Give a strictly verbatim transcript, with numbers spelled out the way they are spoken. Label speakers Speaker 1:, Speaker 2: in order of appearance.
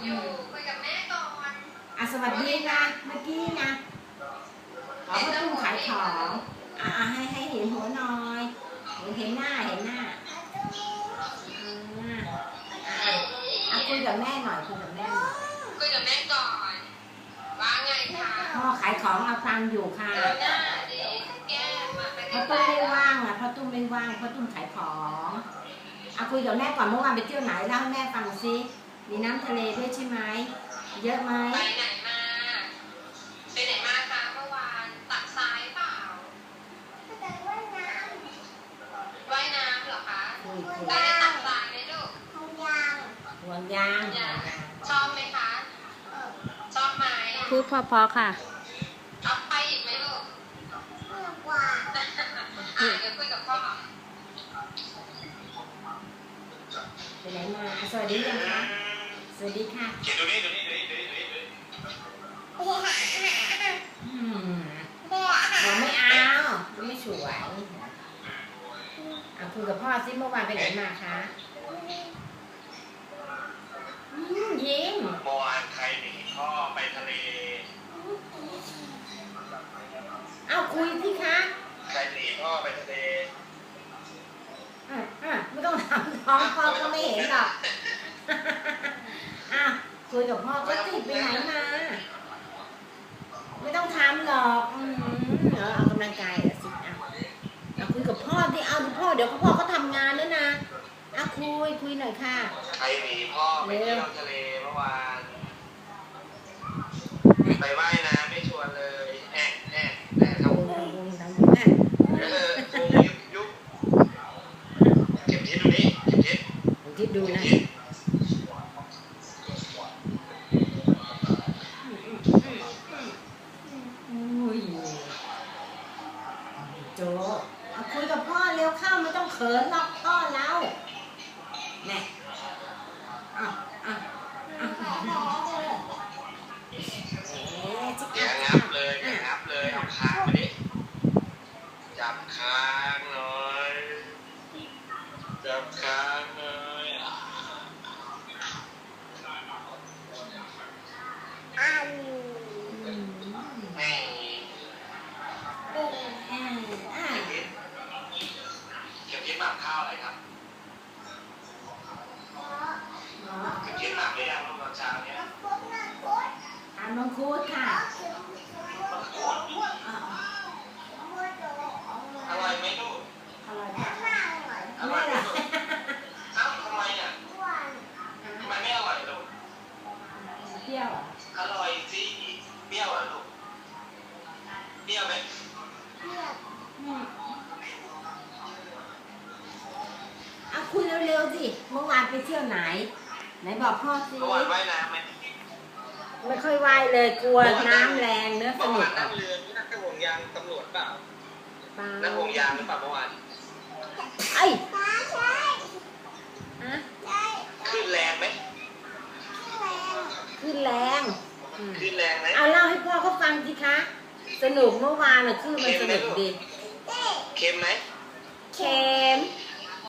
Speaker 1: อยู่คุยกับแม่ก่อน
Speaker 2: อ่ะสวัสดีนะเมื่อกี้นะขอพ่อตุ้มขายของอ่ะให้ให้เห็นหัวหน่อยเห็นหน้าเห็นหน้าอ่ะอ่ะคุยกับแม่หน่อยคุยกับแม่หน่อย
Speaker 1: คุยกับแม่ก่อนว่าไงคะ
Speaker 2: พ่อขายของเอาตังค์อยู่ค่ะ
Speaker 1: หน้าดิแก้มมาไป
Speaker 2: พ่อตุ้มไม่ว่างอ่ะพ่อตุ้มไม่ว่างพ่อตุ้มขายของเอาคุยกับแม่ก่อนเมื่อวานไปเที่ยวไหนเล่าให้แม่ฟังซิมีน้ำทะเลด้วยใช่ไหมเยอะไหม
Speaker 1: ไปไหนมาไปไหนมาคะเมื่อวานตักทรายเปล่าไปว่ายน้ำว่ายน้ำเหรอคะไปได้ตักทรายไหมลูกห่วงยาง
Speaker 2: ห่วงยาง
Speaker 1: ชอบไหมคะชอบไหม
Speaker 2: พูดพอๆค่ะ
Speaker 1: เอาไปอีกไหมลูกมากกว่าอ่ะเดี๋ยวคุยกับพ่อ
Speaker 2: ไปไหนมาสวัสดียังคะสวัสดีค่ะ
Speaker 3: ดูนี่ดูนี่ดูนี่ดูนี่ดูนี่
Speaker 2: บอกไม่เอาไม่สวยอ่ะคุยกับพ่อซิเมื่อวานไปไหนมาคะยิ้ม
Speaker 3: เมื่อวานใครหนีพ่อไปทะเล
Speaker 2: เอาคุยที่คะ
Speaker 3: ใครหนีพ่อไปทะเล
Speaker 2: อ่ะอ่ะไม่ต้องถามท้องพ่อก็ไม่เห็นหรอกอ่ะคุยกับพ่อก็ติดไปไหนมาไม่ต้องทำหรอกอืมเดี๋ยวเอากำลังกายเดี๋ยวสิอ่ะเอาคุยกับพ่อที่เอาพ่อเดี๋ยวพ่อเขาทำงานแล้วนะอ่ะคุยคุยหน่อยค่ะ
Speaker 3: ใครหนีพ่อไปเที่ยวทะเลเมื่อวานไปว่ายน้ำไม่ชวนเลยแอะแอะแอะทำวงทำวงแอะเออวงยุบยุบเก็บทิศดูนี่เก็บทิศ
Speaker 2: เก็บทิศดูนะโจเอาคุยกับพ่อเร็วเข้าไม่ต้องเขินหรอกพ่อแล้วเนี่ยอ่ะอ่ะอ่ะ
Speaker 3: อย่างับเลยอย่างับเลยเอาค้างมาดิจับค้างหน่อยจับค้างหน่อย
Speaker 2: อ้าว
Speaker 3: แม่
Speaker 2: เ
Speaker 3: ก็บทิศหมักข้าวอะไรครับเก็บทิศหมักได้ยังตอนเช้าเนี่ย
Speaker 2: ทานมังคุดค่ะ
Speaker 3: อร่อยไหมลูก
Speaker 2: อร่อยค่ะ
Speaker 3: อร่อยไหมลูกเอ้าทำไมอ่ะทำไมไม่อร่อยลูก
Speaker 2: เปรี้ยว
Speaker 3: อร่อยสิเปรี้ยวอ่ะลูกเปรี้ยวไหม
Speaker 2: เปรี้ยวเอาคุยเร็วๆสิเมื่อวานไปเที่ยวไหนไหนบอกพ่อสิ
Speaker 3: เมื่อวานว่ายน้ำไหม
Speaker 2: ไม่ค่อยว่ายเลยกลัวน้ำแรงเนื้อสนุก
Speaker 3: นั่งเรือนี่นั่งห่วงยางตำรวจเปล่านั่งห่วงยางหรือเปล่าเมื่อวาน
Speaker 2: ไอ้ฮะ
Speaker 3: ขึ้นแรงไหม
Speaker 2: ขึ้นแรง
Speaker 3: ขึ้นแรงไหม
Speaker 2: เอาเล่าให้พ่อเขาฟังสิคะสนุกเมื่อวานน่ะคือมันสนุกดี
Speaker 3: เค็มไหม
Speaker 2: เค็ม